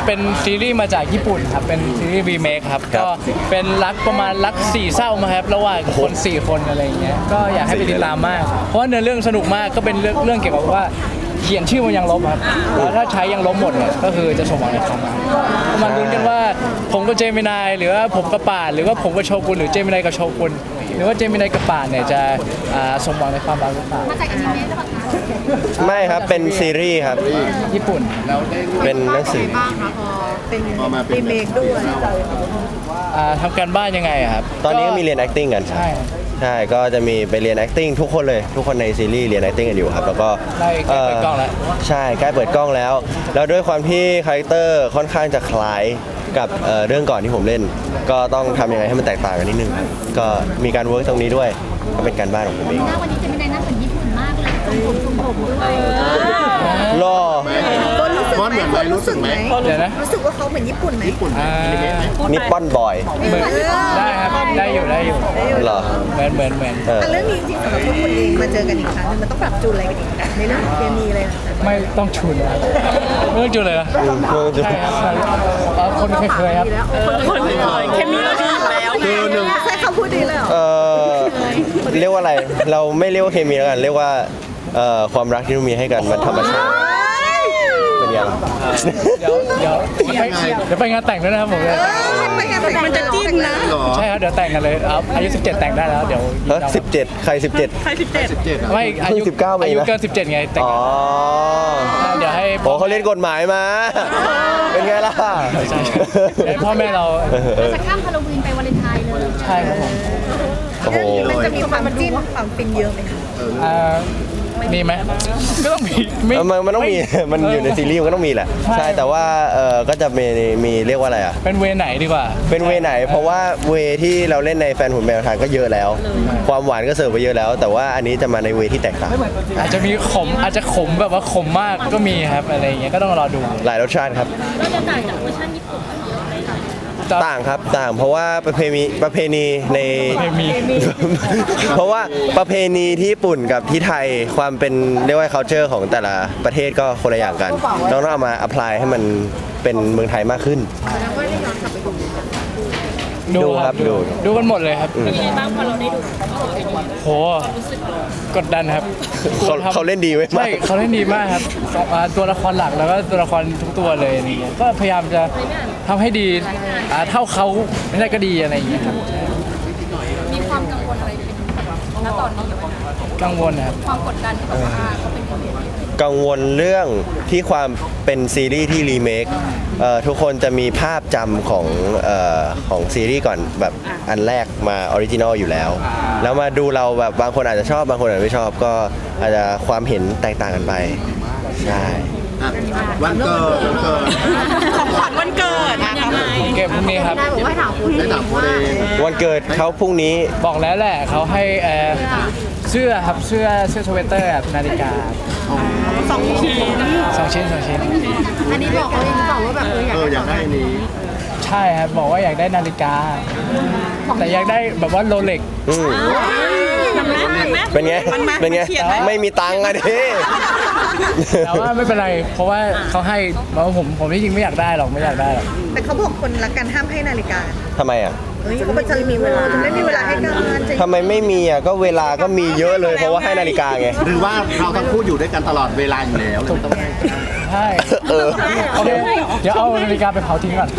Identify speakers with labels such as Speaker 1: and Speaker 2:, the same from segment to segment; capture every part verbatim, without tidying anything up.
Speaker 1: เป็นซีรีส์มาจากญี่ปุ่นครับเป็นซีรีส์รีเมคครับก็เป็นรักประมาณรักสี่เศร้ามาครับระหว่างคนสี่คนอะไรอย่างเงี้ยก็อยากให้ไปติดตามมากเพราะว่าเนื้อเรื่องสนุกมากก็เป็นเรื่องเรื่องเกี่ยวกับว่าเขียนชื่อมันยังลบครับแล้วถ้าใช้ยังลบหมดเนี่ยก็คือจะสมหวังในความรักมาลุ้นกันว่าผมกับเจมินายหรือว่าผมกับป่านหรือว่าผมกับโชกุนหรือเจมินายกับโชกุนหรือว่าเจมินายกับป่านเนี่ยจะสมหวังในความรักหรือเปล่า
Speaker 2: มาจากอนิเมะหรือเปล่าคะ
Speaker 3: ไม่ครับเป็นซีรีส์ครับ
Speaker 1: ญี่ปุ่นแล้ว
Speaker 3: เป็นหนังสือ
Speaker 2: บ้างคะพอเป็นรีเมคด้วย
Speaker 1: ทำการบ้านยังไงครับ
Speaker 3: ตอนนี้ก็มีเรียน acting กันใช่ใช่ก็จะมีไปเรียน acting ทุกคนเลยทุกคนในซีรีส์เรียน acting กันอยู่ครับแล้วก็
Speaker 1: ใกล้เปิดกล้องแล้ว
Speaker 3: ใช่ใกล้เปิดกล้องแล้วแล้วด้วยความที่คาแรคเตอร์ค่อนข้างจะคล้ายกับเรื่องก่อนที่ผมเล่นก็ต้องทำยังไงให้มันแตกต่างกันนิดนึงก็มีการเวิร์กตรงนี้ด้วยก็เป็นการบ้านของผมเอง
Speaker 2: วันนี้จะไม่ได้นั่งเหมือนญี่ปุ่นมากเลยทรงผมทรงผมด้วย
Speaker 3: รอ
Speaker 4: ต้นรู้สึกไหมต้นรู้สึกไหม
Speaker 1: เดี๋ยวนะ
Speaker 4: รู้สึกว่าเขาเหมือนญี่ปุ่นไหมญี่ปุ่น
Speaker 3: นิปปอนบอย
Speaker 1: ได้ครับได้อยู่ได้อยู่
Speaker 3: หรอ
Speaker 1: เหมือนเหมือนเหมือน
Speaker 4: เรื่องนี้จริงๆสำหรับพวกคุณเองมาเจอกันอีกครั้งมันต้องปรับจูนอะไรกันอีกในเรื่องเคมีเลย
Speaker 1: ไม่ต้องจูนครับไม่ต้องจูนเลยนะใช่ครับคนเคยๆครับ
Speaker 2: คนเคยๆเคมีเราดีอยู่แล้ว
Speaker 4: คือหนึ่งใช่คำพูดดีเลยเหรอ
Speaker 3: เออเรียกว่าอะไรเราไม่เรียกว่าเคมีแล้วกันเรียกว่าความรักที่เรามีให้กันมันธรรมชาติเป็นยัง
Speaker 1: เดี๋ยวเดี๋ยวเดี๋ยวไปงานแต่งด้วยนะครับผม
Speaker 4: มันจะจิ้นนะ
Speaker 1: ใช่ครับเดี๋ยวแต่งกันเลยอายุสิบเจ็ดแต่งได้แล้วเดี๋ยว
Speaker 3: สิบเจ็ดใครสิบเจ็ด
Speaker 2: ใครสิบเจ็ด
Speaker 1: ไม่อายุ
Speaker 3: สิบเก้า
Speaker 1: อายุเกินสิบเจ็ดไงแต่งเดี๋ยวให้
Speaker 3: โอ้เขาเล่นกฎหมายมาเป็นไงล่ะ
Speaker 1: ให้พ่อแม่เรา
Speaker 2: จะข้ามฮาโลวีนไปวาเลนไทน์เลย
Speaker 1: ใช่ครับผม
Speaker 3: โอ้โห
Speaker 4: มันจะมีความจิ้นความฟินเยอะไหมคะ
Speaker 1: มีไหมก็ต้องมี
Speaker 3: มันมันต้องมีมันอยู่ในซีรีส์มันก็ต้องมีแหละใช่แต่ว่าเออก็จะมีมีเรียกว่าอะไรอ่ะ
Speaker 1: เป็นเวไหนดีกว่า
Speaker 3: เป็นเวไหนเพราะว่าเวที่เราเล่นในแฟนหุ่นแมวทานก็เยอะแล้วความหวานก็เสิร์ฟไปเยอะแล้วแต่ว่าอันนี้จะมาในเวที่แตกต่าง
Speaker 1: อาจจะมีขมอาจจะขมแบบว่าขมมากก็มีครับอะไรอย่างเงี้ยก็ต้องรอดู
Speaker 3: หลายรสชาติครับ
Speaker 2: ก็จะต่างจากเวอร์ชันญี่ปุ่นเยอะเลย
Speaker 3: ต่างครับต่างเพราะว่าประเพณีประเพณีในเพราะว่าประเพณีที่ญี่ปุ่นกับที่ไทยความเป็นเรียกว่า culture ของแต่ละประเทศก็คนละอย่างกันต้องเอามา apply ให้มันเป็นเมืองไทยมากขึ้นดูครับดู
Speaker 1: ดูกันหมดเลยครับ
Speaker 2: เป็นยังไงบ้างพอเราได้ดู
Speaker 1: โหกดดันครับ
Speaker 3: เขาเขาเล่นดีไว้
Speaker 1: ใช่เขาเล่นดีมากครับตัวละครหลักแล้วก็ตัวละครทุกตัวเลยนี่ก็พยายามจะทำให้ดีเท่าเขาไม่ได้ก็ดีอะไรอย่างเงี้ยครับ
Speaker 2: มีความกังวลอะไรเป็นณตอนนี้
Speaker 1: กังวลครับ
Speaker 2: ความกดดันที่แบบว่าเขาเป็น
Speaker 3: กังวลเรื่องที่ความเป็นซีรีส์ที่รีเมคทุกคนจะมีภาพจำของของซีรีส์ก่อนแบบอันแรกมาออริจินอลอยู่แล้วแล้วมาดูเราแบบบางคนอาจจะชอบบางคนอาจจะไม่ชอบก็อาจจะความเห็นแตกต่างกันไปใช่
Speaker 4: วันเกิดวันเกิด
Speaker 2: ของขวัญวันเกิดยังไง
Speaker 1: เก็บพรุ่งนี้ครับ
Speaker 4: ได้บอกว่าถามคุณได้ถามคุณเอง
Speaker 3: วันเกิดเขาพรุ่งนี้
Speaker 1: บอกแล้วแหละเขาให้เสื้อครับเสื้อเสื้อสเวตเตอร์แบบนาฬิกา
Speaker 2: สองชิ้น
Speaker 1: สองชิ้นสองชิ้น
Speaker 4: อันนี้บอกเขาเองหรือเปล่าว่าแบบ
Speaker 3: เอออยากได้นี้
Speaker 1: ใช่ครับบอกว่าอยากได้นาฬิกาแต่อยากได้แบบว่าโรเล็ก
Speaker 3: เป็นไงเป็นไงไม่มีตังค์อะดิ
Speaker 1: แต่ว่าไม่เป็นไรเพราะว่าเขาให้บอกว่าผมผมที่จริงไม่อยากได้หรอกไม่อยากได้หรอก
Speaker 4: แต่เขาบอกคนรักกันห้ามให้นาฬิกา
Speaker 3: ทำไมอ่ะ
Speaker 4: เฮ้ยเขาจะมีเวลาจะไม่มีเวลาให้กัน
Speaker 3: ทำไมไม่มีอ่ะก็เวลาก็มีเยอะเลยเพราะว่าให้นาฬิกาไง
Speaker 5: หรือว่าเราทั้งคู่อยู่ด้วยกันตลอดเวลาอยู่แล้วเลยต้องให้
Speaker 1: ใช่เออโอเคเดี๋ยวเอานาฬิกาไปเผาทิ้งก่อน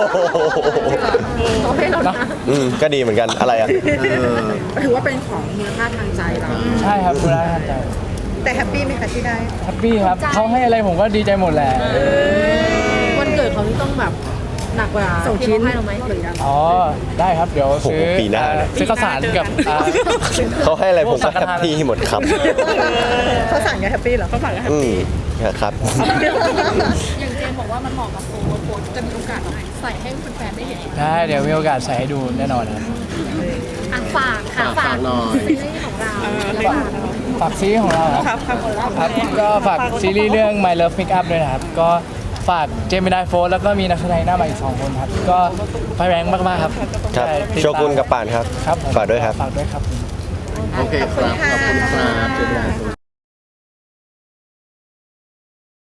Speaker 3: อืมก็ดีเหมือนกันอะไรอ่ะ
Speaker 4: ถือว่าเป็นของมูลค่าทางใจเรา
Speaker 1: ใช่ครับมูลค่าทางใจ
Speaker 4: แต่แฮปปี้ไหมคะที่ได้
Speaker 1: แฮปปี้ครับเขาให้อะไรผมก็ดีใจหมดแหละ
Speaker 4: วันเกิดเขาที่ต้องแบบหนักกว่าส่งชิ้นให้เราไหมเหมือนกัน
Speaker 1: อ๋อได้ครับเดี๋ยวซื้อ
Speaker 3: ปีหน้า
Speaker 1: ซื้อข้าวสารกับ
Speaker 3: เขาให้อะไรผมก็แฮปปี้หมดครับ
Speaker 4: เขาสั่งแฮปปี้เหรอ
Speaker 2: เขาสั่งแฮปปี้
Speaker 3: ครับ
Speaker 2: อย่างเจมบอกว่ามันเหมาะกับโฟนโฟนจะมีโอกาสใส่ให้แฟนๆได้เห็น
Speaker 1: ได้เดี๋ยวมีโอกาสใส่ให้ดูแน่นอนครับ
Speaker 2: ฝากค่ะฝากซีรีส์ของเรา
Speaker 1: ฝากซีรีส์ของเราครับครับก็ฝากซีรีส์เรื่อง My Love Make Up ด้วยนะครับก็ฝากเจมินายโฟร์แล้วก็มีนักแสดงหน้าใหม่อีกสองคนครับก็ไฟแรงมากๆครับ
Speaker 3: ครับโชกุนกับป่านครับ
Speaker 1: ครับ
Speaker 3: ฝากด้วยครับ
Speaker 1: ฝากด้วยครับ
Speaker 5: โอเคครับขอบคุณครับ